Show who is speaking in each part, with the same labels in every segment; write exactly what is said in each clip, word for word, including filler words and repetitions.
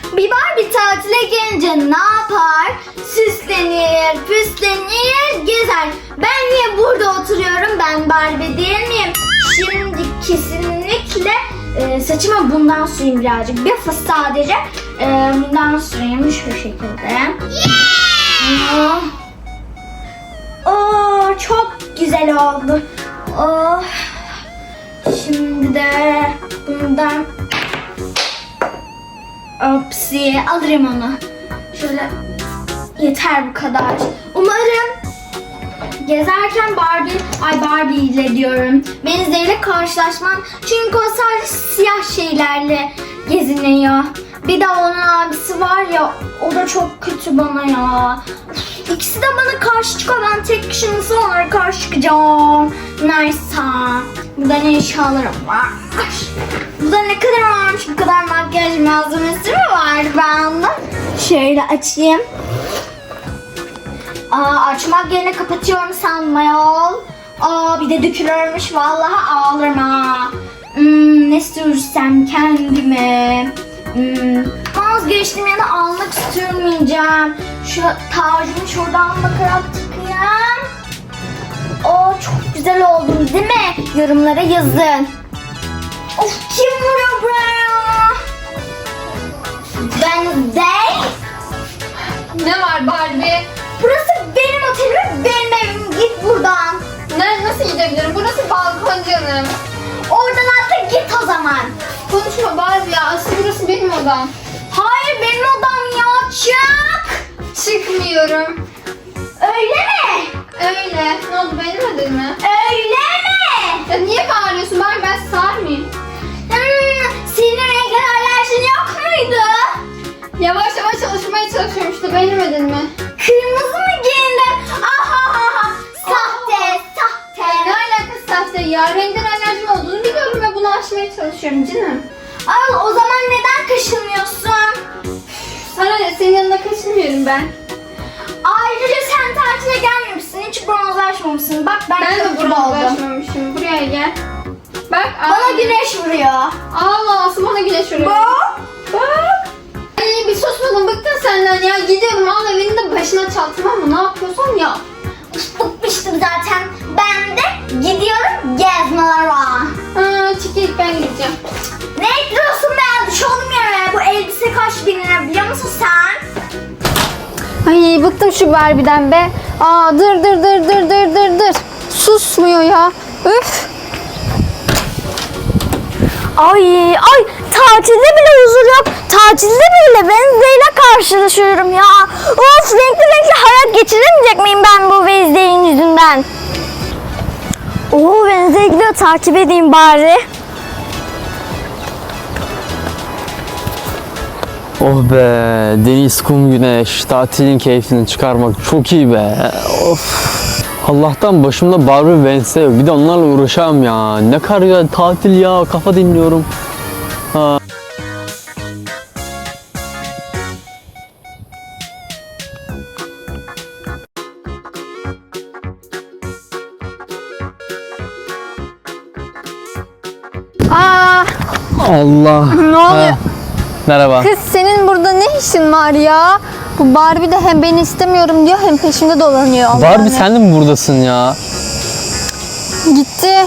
Speaker 1: Bir Barbie tatile gelince ne yapar? Süslenir, püslenir, gezer. Ben niye burada oturuyorum? Ben Barbie değil miyim? Şimdi kesinlikle e, saçıma bundan süreyim birazcık. Bir fıs sadece e, bundan süreyim şu şekilde. Yeah! Oh, çok güzel oldu. Oh. Şimdi de bundan Opsi alırım onu. Şöyle yeter bu kadar. Umarım gezerken Barbie, ay Barbie ile diyorum. Wednesday ile karşılaşmam. Çünkü o sadece siyah şeylerle geziniyor. Bir de onun abisi var ya, o da çok kötü bana ya. İkisi de bana karşı çıkıyor. Ben tek kişi nasıl onlara karşı çıkacağım? Neyse. Burada ne eşyalarım var? Burada ne kadar varmış? Bu kadar makyaj malzemesi mi var bende? Şöyle açayım. Aa, açmak yerine kapatıyorum sanmayol. Aa, bir de dökülürmüş. Vallahi ağlarım ha. Hmm, ne sürsem kendime. Hmm, vazgeçtim ya da almak sürmeyeceğim. Şu tacımı şuradan bakarak tıkayım. Oo, çok güzel oldum değil mi? Yorumlara yazın. Of, kim vuruyor buraya? Ben değil.
Speaker 2: Ne var Barbie?
Speaker 1: Burası benim otelim, benim evim. Git buradan.
Speaker 2: Ne, nasıl gidebilirim? Burası balkon canım.
Speaker 1: Oradan atla git o zaman.
Speaker 2: Konuşma Barbie ya. Asıl burası benim odam.
Speaker 1: Hayır, benim odam ya. Çık.
Speaker 2: Çıkmıyorum.
Speaker 1: Öyle mi?
Speaker 2: Öyle. Ne oldu, beğenemedin mi?
Speaker 1: Öyle mi?
Speaker 2: Ya niye bağırıyorsun Barbie? Ben sağır mıyım?
Speaker 1: Hmm, senin renkli alerjin yok muydu?
Speaker 2: Yavaş yavaş çalışmaya çalışıyorum işte. Beğenemedin mi?
Speaker 1: Kırmızı mı giyindin? Aha, sahte, sahte.
Speaker 2: Ne alakası sahte ya? Renkten alerjim olduğunu biliyorum ve bunu aşmaya çalışıyorum canım.
Speaker 1: Ay, o zaman neden kaşınıyorsun?
Speaker 2: Sana ne? Senin yanında kaçınmıyorum ben.
Speaker 1: Ayrıca sen tatile gelmemişsin, hiç bronzlaşmamışsın. Bak ben,
Speaker 2: Ben de
Speaker 1: çok gibi
Speaker 2: buraya
Speaker 1: oldum.
Speaker 2: ulaşmamışım. Buraya gel. Bak.
Speaker 1: Bana
Speaker 2: ağzım-
Speaker 1: güneş vuruyor.
Speaker 2: Allah, asıl bana güneş vuruyor.
Speaker 1: Bak.
Speaker 2: Bak. Ay, bir susmadım, bıktım senden ya. Gidiyorum, al evini de başına çal, tamam mı? Ne yapıyorsan ya.
Speaker 1: Bıkmıştım zaten. Ben de gidiyorum gezmelere.
Speaker 2: Ha, çekil, ben gideceğim.
Speaker 1: Ne ekliyorsun be? Düş oğlum yere. Bu elbise kaç bin lira biliyor musun sen?
Speaker 2: Ay, bıktım şu Barbie'den be. Aa, dır dır dır dır dır dır dır. Susmuyor ya. Üf.
Speaker 1: Ay ay, tatilde bile huzur yok. Tatilde bile Wednesday ile karşılaşıyorum ya. Of, renkli renkli hayat geçiremeyecek miyim ben bu Wednesday'in yüzünden? Oo, Wednesday gidiyor, takip edeyim bari.
Speaker 3: Oh be, deniz, kum, güneş, tatilin keyfini çıkarmak çok iyi be. Of. Allah'tan başımda Barbie Wednesday yok. Bir de onlarla uğraşamam ya. Ne kadar güzel tatil ya, kafa dinliyorum. Ha.
Speaker 2: Aa,
Speaker 3: Allah.
Speaker 2: ne oluyor?
Speaker 3: Ha. Merhaba.
Speaker 2: Kız, senin burada ne işin var ya? Bu Barbie de hem beni istemiyorum diyor hem peşimde dolanıyor. Allah
Speaker 3: Barbie
Speaker 2: Allah.
Speaker 3: sen de mi buradasın ya?
Speaker 2: Gitti.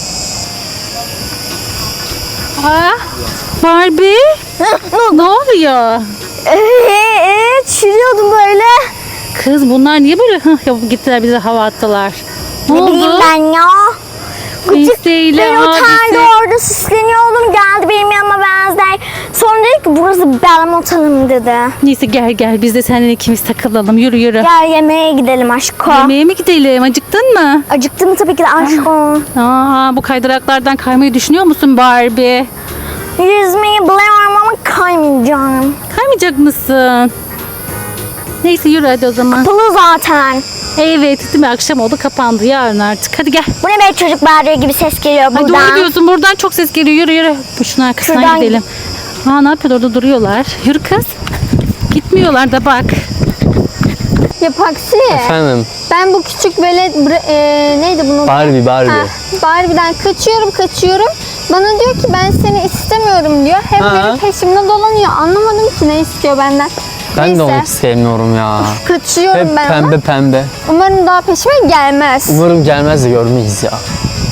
Speaker 4: Ha? Barbie? ne oluyor?
Speaker 1: Eee, çürüyordum böyle.
Speaker 4: Kız bunlar niye böyle hıh yapıp gittiler, bize hava attılar? Ne,
Speaker 1: Ne bileyim
Speaker 4: oldu?
Speaker 1: ben ya.
Speaker 4: Wednesday ile
Speaker 1: Ben otelde
Speaker 4: abisi.
Speaker 1: orada süsleniyordum, geldi benim yanıma Wednesday. Sonra dedi ki burası benim otelim dedi.
Speaker 4: Neyse gel gel, biz de seninle ikimiz takılalım, yürü yürü.
Speaker 1: Gel yemeğe gidelim aşko.
Speaker 4: Yemeğe mi gidelim, acıktın mı?
Speaker 1: Acıktım tabii ki de aşko.
Speaker 4: Aa, bu kaydıraklardan kaymayı düşünüyor musun Barbie?
Speaker 1: Yüzmeyi biliyorum ama kaymayacağım.
Speaker 4: Kaymayacak mısın? Neyse yürü hadi o zaman.
Speaker 1: Kapalı zaten.
Speaker 4: Evet, değil mi? Akşam oldu, kapandı, yarın artık. Hadi gel.
Speaker 1: Bu ne be, çocuk bağırıyor gibi ses geliyor
Speaker 4: Hadi
Speaker 1: buradan.
Speaker 4: doğru diyorsun, buradan çok ses geliyor. Yürü yürü. Şunun arkasından
Speaker 1: Şuradan
Speaker 4: gidelim. Aa, ne yapıyor orada, duruyorlar. Yürü kız. Gitmiyorlar da bak.
Speaker 2: Ya Paksi.
Speaker 3: Efendim.
Speaker 2: Ben bu küçük velet bre- e, neydi bunun?
Speaker 3: Barbie Barbie.
Speaker 2: Ha, Barbie'den kaçıyorum kaçıyorum. Bana diyor ki ben seni istemiyorum diyor. Hep
Speaker 3: Ha.
Speaker 2: benim peşimde dolanıyor. Anlamadım ki ne istiyor benden.
Speaker 3: Ben
Speaker 2: Neyse,
Speaker 3: de onu hiç sevmiyorum ya.
Speaker 2: kaçıyorum
Speaker 3: Hep
Speaker 2: ben
Speaker 3: pembe
Speaker 2: ama.
Speaker 3: pembe.
Speaker 2: Umarım daha peşime gelmez.
Speaker 3: Umarım gelmez de görmeyiz ya.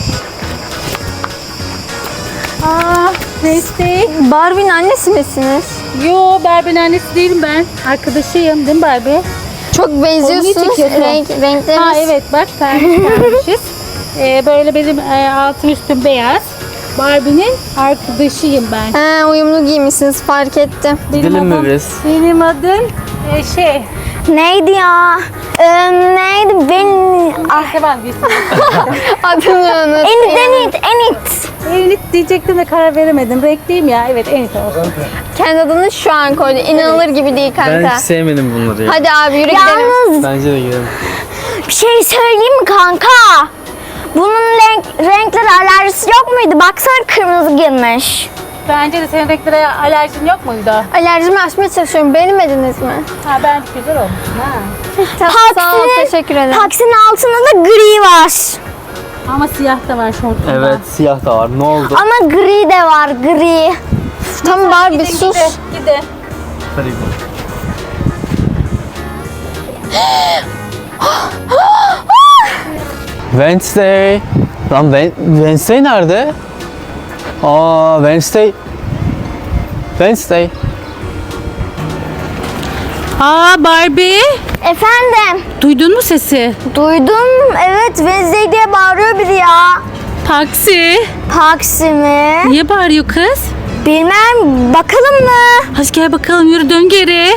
Speaker 4: Aa, neyse.
Speaker 2: Barbie'nin annesi misiniz?
Speaker 4: Yo, Barbie'nin annesi değilim ben. Arkadaşıyım değil mi Barbie?
Speaker 2: Çok benziyorsunuz.
Speaker 4: çekiyorsun?
Speaker 2: Renk, renkleriniz.
Speaker 4: Ha evet bak pembiş. ee, böyle benim e, altım üstüm beyaz. Barbie'nin arkadaşıyım ben.
Speaker 2: Ha, uyumlu giymişsiniz fark ettim.
Speaker 4: Benim
Speaker 3: Gidelim mi
Speaker 4: adım-
Speaker 3: biz?
Speaker 4: Benim adım e, şey.
Speaker 2: Neydi ya? Ee, neydi? Ben...
Speaker 4: Ah. Ben bir
Speaker 2: Adını unuttum. Enit, Enit, Enit.
Speaker 4: Enit diyecektim de karar veremedim. Renkliyim ya. Evet Enit olsun.
Speaker 2: Kendi adını şu an koydu. İnanılır gibi değil kanka.
Speaker 3: sevmedim bunları ya.
Speaker 2: Hadi abi yürü gidelim.
Speaker 1: Yalnız
Speaker 3: Bence de gidelim.
Speaker 1: bir şey söyleyeyim mi kanka? Bunun renk, renkler alerjisi yok muydu? Baksana kırmızı girmiş.
Speaker 4: Bence de senin renklere alerjin yok muydu?
Speaker 2: Alerjimi aşmaya çalışıyorum. Beğenmediniz mi?
Speaker 4: Ha ben güzel olmuş. Ha.
Speaker 2: Sağ ol, teşekkür ederim.
Speaker 1: Taksinin altında da gri var.
Speaker 4: Ama siyah da var şortunda.
Speaker 3: Evet siyah da var. Ne oldu?
Speaker 1: Ama gri de var, gri.
Speaker 2: Tamam Barbie
Speaker 4: Gidin,
Speaker 2: sus.
Speaker 4: Gidin, gidin.
Speaker 3: Hadi gidelim. Wednesday. Lan Wen- Wednesday nerede? Aa Wednesday. Wednesday.
Speaker 4: Aa Barbie.
Speaker 1: Efendim,
Speaker 4: Duydun mu sesi?
Speaker 1: duydum. Evet, Wednesday diye bağırıyor biri ya.
Speaker 4: Taksi.
Speaker 1: Taksi mi?
Speaker 4: Niye bağırıyor kız?
Speaker 1: Bilmem, bakalım mı?
Speaker 4: Hadi gel bakalım yürü dön geri.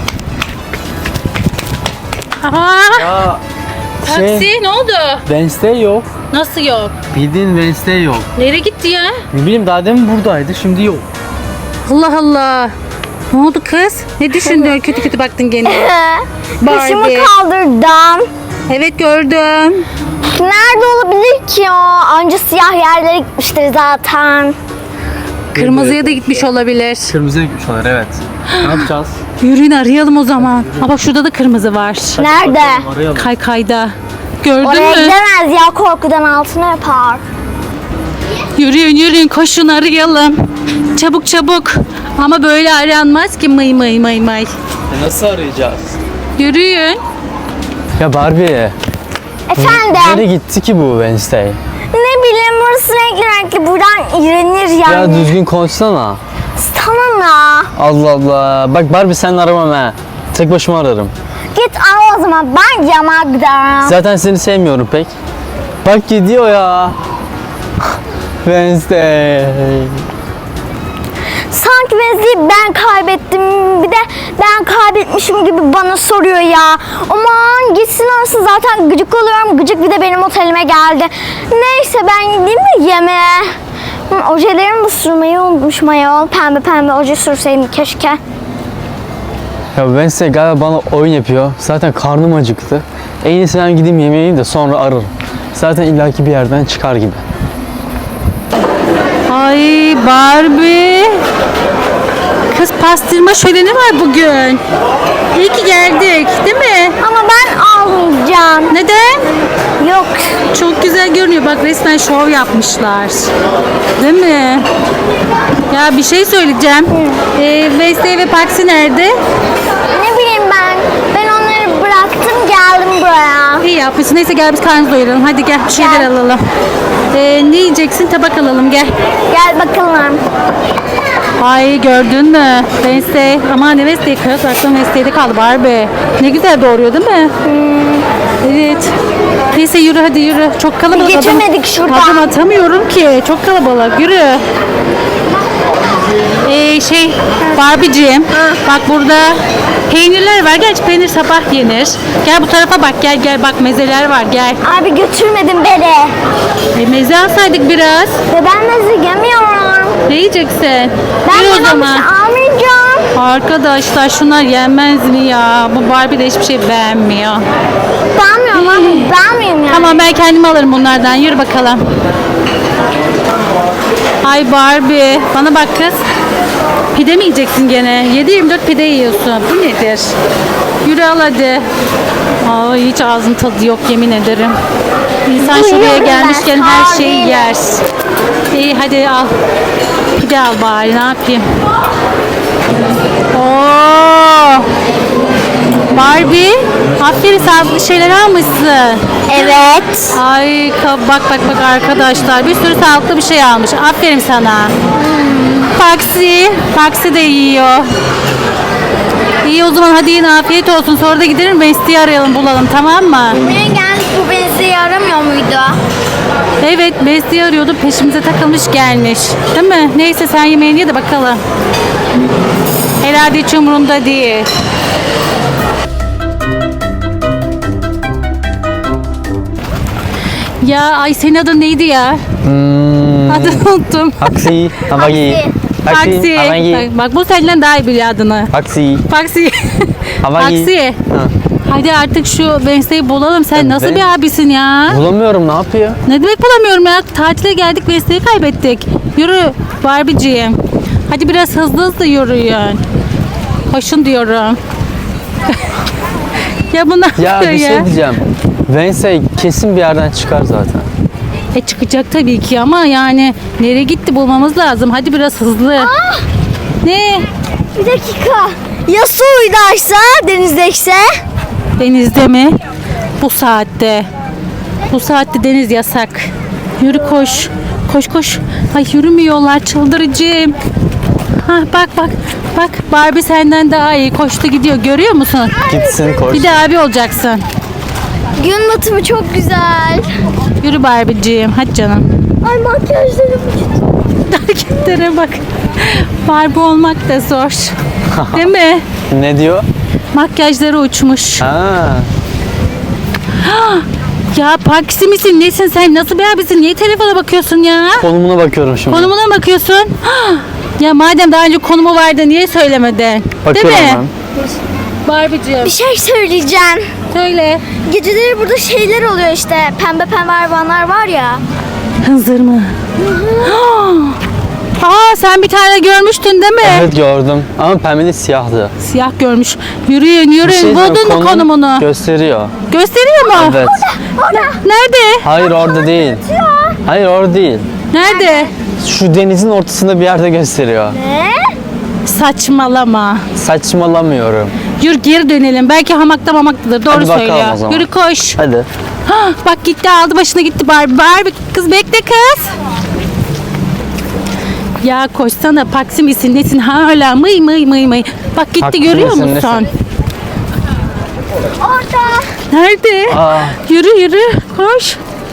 Speaker 4: Aa,
Speaker 3: Ya
Speaker 4: taksi ne oldu?
Speaker 3: Wednesday yok.
Speaker 4: Nasıl yok?
Speaker 3: Bildiğin Wednesday yok.
Speaker 4: Nereye gitti ya?
Speaker 3: Ne bileyim daha demin buradaydı şimdi yok.
Speaker 4: Allah Allah. Ne oldu kız? Ne düşündün? Kötü kötü baktın gene.
Speaker 1: Başımı
Speaker 4: Barbie.
Speaker 1: kaldırdım.
Speaker 4: Evet gördüm.
Speaker 1: Nerede olabilir ki o? Anca siyah yerlere gitmiştir zaten.
Speaker 4: Kırmızıya da gitmiş olabilir.
Speaker 3: Kırmızıya gitmiş onlar evet. Ne yapacağız?
Speaker 4: Yürüyün arayalım o zaman. Aa bak şurada da kırmızı var.
Speaker 1: Nerede?
Speaker 3: Arayalım.
Speaker 4: Kaykayda. Gördün
Speaker 1: Oraya
Speaker 4: mü?
Speaker 1: gidemez ya, korkudan altına yapar.
Speaker 4: Yürüyün yürüyün koşun arayalım. Çabuk çabuk. Ama böyle aranmaz ki mıy mıy mıy mıy.
Speaker 3: E, nasıl arayacağız?
Speaker 4: Yürüyün.
Speaker 3: Ya Barbie.
Speaker 1: Efendim,
Speaker 3: Nereye gitti ki bu Wednesday?
Speaker 1: ne bileyim burası renkli renkli, buradan iğrenir
Speaker 3: Ya
Speaker 1: yani.
Speaker 3: düzgün konuşsana.
Speaker 1: Tamam ya.
Speaker 3: Allah Allah. Bak Barbie sen aramam ha. Tek başıma ararım.
Speaker 1: Git al o zaman, ben yamağa giderim.
Speaker 3: Zaten seni sevmiyorum pek. Bak gidiyor ya. Wednesday.
Speaker 1: Sanki Wednesday'i ben kaybettim, bir de ben kaybetmişim gibi bana soruyor ya. Aman gitsin arasın, zaten gıcık oluyorum. Gıcık bir de benim otelime geldi. Neyse ben gideyim de yemeğe. Hı, ojelerimi de sürmeyi unutmuşum ayol. Pembe pembe oje sürseydim keşke.
Speaker 3: Ya Wednesday galiba bana oyun yapıyor. Zaten karnım acıktı. En iyisi ben gideyim yemeği yiyeyim de sonra ararım. Zaten illaki bir yerden çıkar gibi.
Speaker 4: Ay Barbie. Kız pastırma şöleni var bugün. İyi ki geldik değil mi?
Speaker 1: Ama ben almayacağım.
Speaker 4: Neden?
Speaker 1: Yok.
Speaker 4: Çok güzel görünüyor. Bak resmen şov yapmışlar. Değil mi? Ya bir şey söyleyeceğim. Ee, Wednesday ve Paxi nerede?
Speaker 1: Ne bileyim ben. Ben onları bıraktım, geldim buraya.
Speaker 4: İyi yapmışsın. Neyse gel biz karnımızı doyuralım. Hadi gel bir şeyler
Speaker 1: Gel.
Speaker 4: alalım. Ee, ne yiyeceksin? Tabak alalım gel.
Speaker 1: Gel bakalım.
Speaker 4: Ay gördün mü? Wednesday. Aman ne Wednesday kız. Aklım Wednesday'de kaldı Barbie. Ne güzel doğuruyor değil mi? Evet. Neyse yürü hadi yürü. Çok kalabalık.
Speaker 1: Geçemedik
Speaker 4: Adım-
Speaker 1: şuradan.
Speaker 4: Adım atamıyorum ki. Çok kalabalık. Yürü. Ee, şey Barbie'ciğim. Bak burada peynirler var. Gerçi peynir sabah yenir. Gel bu tarafa bak. Gel gel bak mezeler var. Gel.
Speaker 1: Abi götürmedin beni.
Speaker 4: E, meze alsaydık biraz.
Speaker 1: Ve ben meze yemiyorum.
Speaker 4: Ne yiyeceksin?
Speaker 1: Ben
Speaker 4: Yürü o
Speaker 1: buna bir
Speaker 4: zaman.
Speaker 1: şey almayacağım.
Speaker 4: Arkadaşlar şunlar yenmez mi ya? Bu Barbie de hiçbir şey beğenmiyor.
Speaker 1: Beğenmiyorum abi. Beğenmiyorum yani.
Speaker 4: Tamam ben kendim alırım bunlardan. Yürü bakalım. Ay Barbie. Bana bak kız. Pide mi yiyeceksin gene? yedi yirmi dört pide yiyorsun. Bu nedir? Yürü al hadi. Ay hiç ağzın tadı yok yemin ederim. İnsan şuraya
Speaker 1: Duyuyorum
Speaker 4: gelmişken
Speaker 1: ben,
Speaker 4: her
Speaker 1: sağ
Speaker 4: şeyi
Speaker 1: değilim.
Speaker 4: yer. İyi hadi al. Pide al bari ne yapayım. Oo. Barbie, aferin sağlıklı şeyler almışsın.
Speaker 1: Evet.
Speaker 4: Ay ka- bak bak bak arkadaşlar bir sürü sağlıklı bir şey almış. Aferin sana. Paksi, Paksi de yiyor. İyi o zaman hadi yine afiyet olsun. Sonra da gidelim Besti'yi arayalım bulalım tamam mı?
Speaker 1: Buraya geldik, bu beni yaramıyor muydu?
Speaker 4: Evet Besti'yi arıyordu peşimize takılmış gelmiş. Değil mi? Neyse sen yemeğini ye de bakalım. Herhalde hiç umurunda değil. Ya ay senin adın neydi ya?
Speaker 3: Hmm,
Speaker 4: Adını unuttum.
Speaker 3: Taksi. Havagi.
Speaker 4: Paksi.
Speaker 3: Havagi.
Speaker 4: Bak, bak bu senden daha iyi biliyor adını.
Speaker 3: Taksi.
Speaker 4: Paksi.
Speaker 3: Havagi.
Speaker 4: Paksi.
Speaker 3: Ha.
Speaker 4: Hadi artık şu Wednesday'i bulalım. Sen
Speaker 3: Evet.
Speaker 4: nasıl bir abisin ya?
Speaker 3: Bulamıyorum, ne yapıyor?
Speaker 4: Ne demek bulamıyorum ya? Tatile geldik Wednesday'i kaybettik. Yürü Barbie'ciğim. Hadi biraz hızlı hızlı yürüyün. Koşun diyorum. ya bu ne
Speaker 3: Ya
Speaker 4: yapıyor
Speaker 3: bir
Speaker 4: ya?
Speaker 3: şey diyeceğim. Wednesday kesin bir yerden çıkar zaten.
Speaker 4: E çıkacak tabii ki ama yani nereye gitti bulmamız lazım. Hadi biraz hızlı. Ne?
Speaker 1: Bir dakika. Ya su uydaysa, denizdeyse?
Speaker 4: Denizde mi? Bu saatte. Bu saatte deniz yasak. Yürü koş. Koş koş. Ay yürümüyorlar çıldırıcım. Ha bak bak. Bak Barbie senden daha iyi koştu gidiyor. Görüyor musun?
Speaker 3: Gitsin koş.
Speaker 4: Bir de abi olacaksın.
Speaker 1: Gün batımı çok güzel.
Speaker 4: Yürü Barbie'ciğim. Hadi canım.
Speaker 1: Ay makyajlarım uçtu.
Speaker 4: Hareketlere bak. Barbie olmak da zor. Değil mi?
Speaker 3: Ne diyor?
Speaker 4: Makyajları uçmuş.
Speaker 3: Ha.
Speaker 4: Ya Paksi misin? Nesin sen? Nasıl bir abisin? Niye telefona bakıyorsun ya?
Speaker 3: Konumuna bakıyorum şimdi.
Speaker 4: Konumuna mı bakıyorsun? Ya madem daha önce konumu vardı niye söylemedin?
Speaker 3: Bakıyorum
Speaker 4: Değil mi?
Speaker 3: ben.
Speaker 4: Barbie'ciğim
Speaker 1: Bir şey söyleyeceğim.
Speaker 4: söyle.
Speaker 1: Geceleri burada şeyler oluyor işte. Pembe pembe hayvanlar var ya.
Speaker 4: Hınzır mı? Aa sen bir tane görmüştün değil mi?
Speaker 3: Evet gördüm. Ama pembeli siyahtı.
Speaker 4: Siyah görmüş. Yürüyün yürüyün.
Speaker 3: Bir şey diyeceğim,
Speaker 4: Buldun mu
Speaker 3: konum
Speaker 4: konumunu?
Speaker 3: Gösteriyor.
Speaker 4: Gösteriyor mu?
Speaker 3: Evet.
Speaker 4: Nerede?
Speaker 3: Hayır orada değil. Hayır orada değil.
Speaker 4: Nerede?
Speaker 3: Şu denizin ortasında bir yerde gösteriyor.
Speaker 1: Ne?
Speaker 4: Saçmalama.
Speaker 3: Saçmalamıyorum.
Speaker 4: Yürü geri dönelim. Belki hamakta mamaktadır. Doğru
Speaker 3: Hadi bakalım
Speaker 4: söylüyor.
Speaker 3: o zaman.
Speaker 4: Yürü koş.
Speaker 3: Hadi.
Speaker 4: Hah, bak gitti aldı başına gitti Barbie. Barbie kız bekle kız. Ya koşsana Paksi misin nesin hala mıy mıy mıy mıy. Bak gitti
Speaker 3: Paksi
Speaker 4: görüyor
Speaker 3: misin,
Speaker 4: musun?
Speaker 3: nesin?
Speaker 1: Orada.
Speaker 4: Nerede?
Speaker 3: Aa.
Speaker 4: Yürü yürü koş.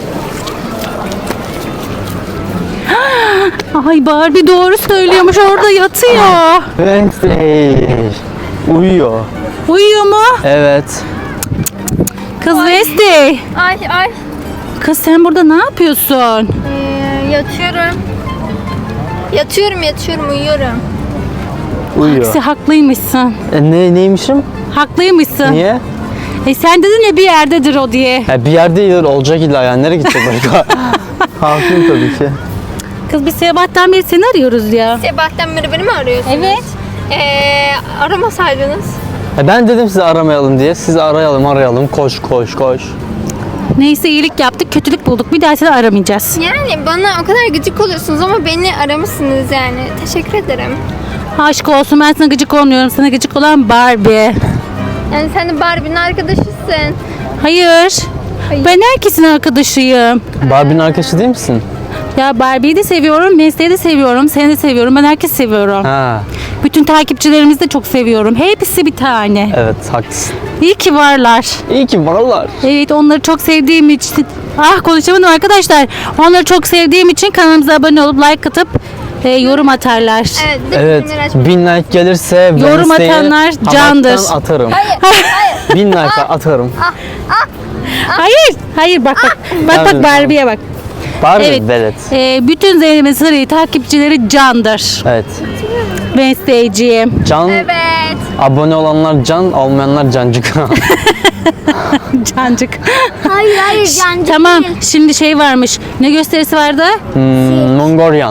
Speaker 4: Ay Barbie doğru söylüyormuş orada yatıyor.
Speaker 3: Wednesday. Uyuyor.
Speaker 4: Uyuyor mu?
Speaker 3: Evet.
Speaker 4: Kız Wednesday.
Speaker 1: Ay ay.
Speaker 4: Kız sen burada ne yapıyorsun?
Speaker 1: Ee, yatıyorum. Yatıyorum yatıyorum uyuyorum.
Speaker 3: Uyuyor.
Speaker 4: Sen haklıymışsın.
Speaker 3: E, ne, neymişim?
Speaker 4: Haklıymışsın.
Speaker 3: Niye?
Speaker 4: E sen dedin ya bir yerdedir o diye.
Speaker 3: Ya bir yerde iyidir, olacak illa yani. Nereye gidecek başka? Haklıyım tabii ki.
Speaker 4: Kız biz sabahtan beri seni arıyoruz ya.
Speaker 5: Sabahtan beri beni mi arıyorsunuz?
Speaker 4: Evet.
Speaker 5: Ee, aramasaydınız.
Speaker 3: E, ben dedim sizi aramayalım diye. Sizi arayalım arayalım. Koş koş koş.
Speaker 4: Neyse iyilik yaptık, kötülük bulduk. Bir daha seni aramayacağız.
Speaker 5: Yani bana o kadar gıcık oluyorsunuz ama beni aramışsınız yani. Teşekkür ederim.
Speaker 4: Aşk olsun ben sana gıcık olmuyorum. Sana gıcık olan Barbie.
Speaker 5: Yani sen de Barbie'nin arkadaşısın.
Speaker 4: Hayır. Ben herkesin arkadaşıyım.
Speaker 3: Barbie'nin arkadaşı değil misin?
Speaker 4: Ya Barbie'yi de seviyorum, Wednesday'i de seviyorum, seni de seviyorum. Ben herkesi seviyorum.
Speaker 3: Ha.
Speaker 4: Bütün takipçilerimizi de çok seviyorum. Hepsi bir tane.
Speaker 3: Evet haklısın.
Speaker 4: İyi ki varlar.
Speaker 3: İyi ki varlar.
Speaker 4: Evet onları çok sevdiğim için ah konuşamadım arkadaşlar. Onları çok sevdiğim için kanalımıza abone olup like atıp e, yorum atarlar.
Speaker 5: Evet.
Speaker 3: Evet.
Speaker 5: bildirimleri açmayı-
Speaker 3: Bin like gelirse
Speaker 4: Yorum
Speaker 3: Wednesday'i
Speaker 4: atanlar candır.
Speaker 3: hamaktan atarım. Bin like atarım.
Speaker 4: Hayır, hayır bak bak. Bak
Speaker 3: Tabii.
Speaker 4: bak Barbie'ye bak.
Speaker 3: Barbie
Speaker 4: Evet.
Speaker 3: velet.
Speaker 4: E, bütün Zeynep'in Sarı'yı takipçileri candır.
Speaker 3: Evet.
Speaker 4: Wednesday'ciğim.
Speaker 3: Can,
Speaker 5: Evet.
Speaker 3: abone olanlar can, olmayanlar cancık.
Speaker 4: Cancık.
Speaker 1: Hayır hayır cancık
Speaker 4: Tamam
Speaker 1: değil.
Speaker 4: şimdi şey varmış. Ne gösterisi vardı?
Speaker 3: hmm, Mongolian.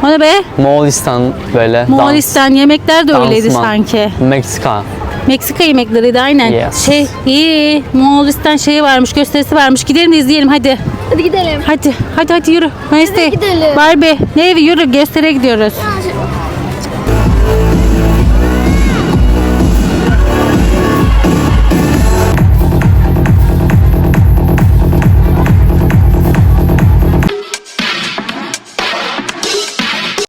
Speaker 4: O ne be?
Speaker 3: Moğolistan böyle.
Speaker 4: Moğolistan yemekler de
Speaker 3: dans,
Speaker 4: öyleydi
Speaker 3: dansman.
Speaker 4: sanki.
Speaker 3: Meksika.
Speaker 4: Meksika yemekleriydi aynen.
Speaker 3: Yes.
Speaker 4: Şey iyi. Moğolistan şeyi varmış, gösterisi varmış. Gidelim de izleyelim hadi.
Speaker 5: Hadi gidelim.
Speaker 4: Hadi hadi hadi yürü. Wednesday.
Speaker 1: gidelim.
Speaker 4: Barbie. Ne evi yürü gösteriye gidiyoruz.